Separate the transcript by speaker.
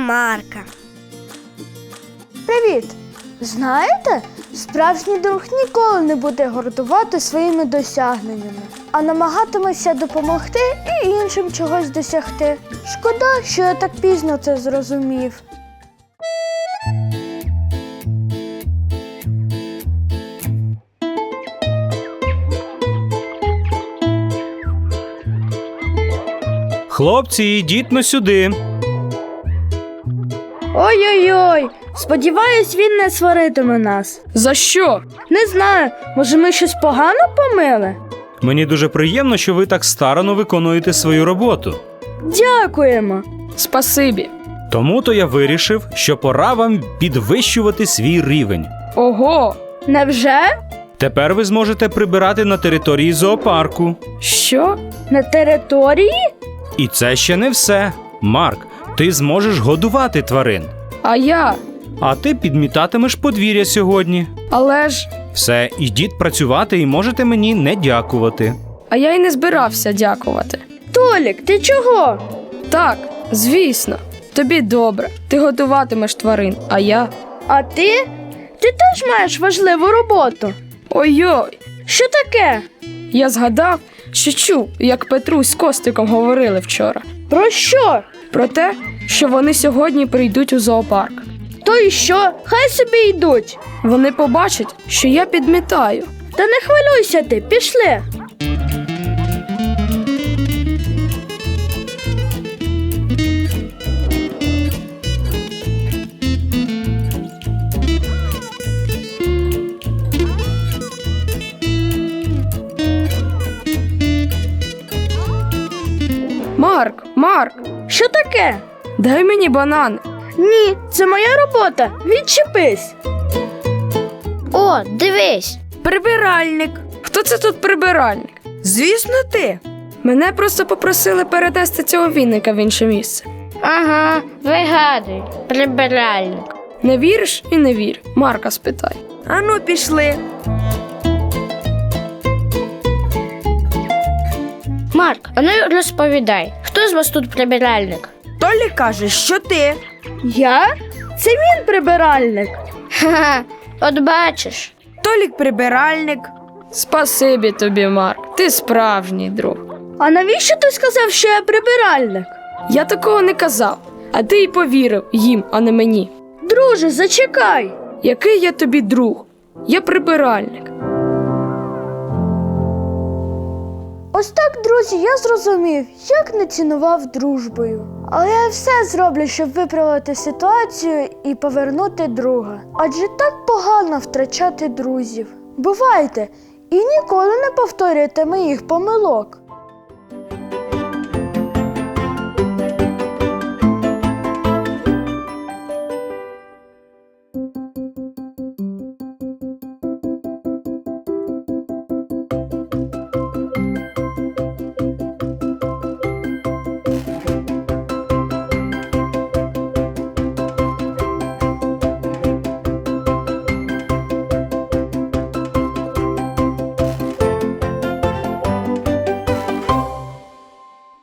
Speaker 1: Марка.
Speaker 2: Привіт! Знаєте, справжній друг ніколи не буде гордувати своїми досягненнями, а намагатиметься допомогти і іншим чогось досягти. Шкода, що я так пізно це зрозумів.
Speaker 3: Хлопці, йдіть но сюди.
Speaker 2: Ой-ой-ой, сподіваюсь, він не сваритиме нас.
Speaker 4: За що?
Speaker 2: Не знаю, може ми щось погано помили?
Speaker 3: Мені дуже приємно, що ви так старанно виконуєте свою роботу.
Speaker 2: Дякуємо.
Speaker 4: Спасибі.
Speaker 3: Тому-то я вирішив, що пора вам підвищувати свій рівень.
Speaker 4: Ого!
Speaker 2: Невже?
Speaker 3: Тепер ви зможете прибирати на території зоопарку.
Speaker 4: Що?
Speaker 2: На території?
Speaker 3: І це ще не все. Марк, ти зможеш годувати тварин.
Speaker 4: А я?
Speaker 3: А ти підмітатимеш подвір'я сьогодні.
Speaker 4: Але ж...
Speaker 3: Все, ідіть працювати і можете мені не дякувати.
Speaker 4: А я й не збирався дякувати.
Speaker 2: Толік, ти чого?
Speaker 4: Так, звісно. Тобі добре. Ти готуватимеш тварин, а я...
Speaker 2: А ти? Ти теж маєш важливу роботу.
Speaker 4: Ой-ой!
Speaker 2: Що таке?
Speaker 4: Я згадав, що чув, як Петрусь з Костиком говорили вчора.
Speaker 2: Про що?
Speaker 4: Про те, що вони сьогодні прийдуть у зоопарк.
Speaker 2: То і що? Хай собі йдуть.
Speaker 4: Вони побачать, що я підмітаю.
Speaker 2: Та не хвилюйся ти, пішли.
Speaker 4: Марк,
Speaker 2: Що таке?
Speaker 4: дай мені банан.
Speaker 2: Ні, це моя робота. Відчепись.
Speaker 1: О, дивись.
Speaker 2: Прибиральник.
Speaker 4: Хто це тут прибиральник?
Speaker 2: Звісно, ти.
Speaker 4: Мене просто попросили перенести цього вінника в інше місце.
Speaker 1: Ага, вигадуй, прибиральник.
Speaker 4: Не віриш і не вір. Марка спитай.
Speaker 2: Ану, пішли.
Speaker 1: Марк, а ну розповідай, хто з вас тут прибиральник?
Speaker 2: Толік каже, що ти. Я? Це він прибиральник.
Speaker 1: Ха-ха, от бачиш.
Speaker 2: Толік прибиральник.
Speaker 4: Спасибі тобі, Марк. Ти справжній друг.
Speaker 2: А навіщо ти сказав, що я прибиральник?
Speaker 4: Я такого не казав, а ти й повірив їм, а не мені.
Speaker 2: Друже, зачекай.
Speaker 4: Який я тобі друг? Я прибиральник.
Speaker 2: Ось так, друзі, я зрозумів, як не цінував дружбою. Але я все зроблю, щоб виправити ситуацію і повернути друга. Адже так погано втрачати друзів. Бувайте і ніколи не повторюйте моїх помилок.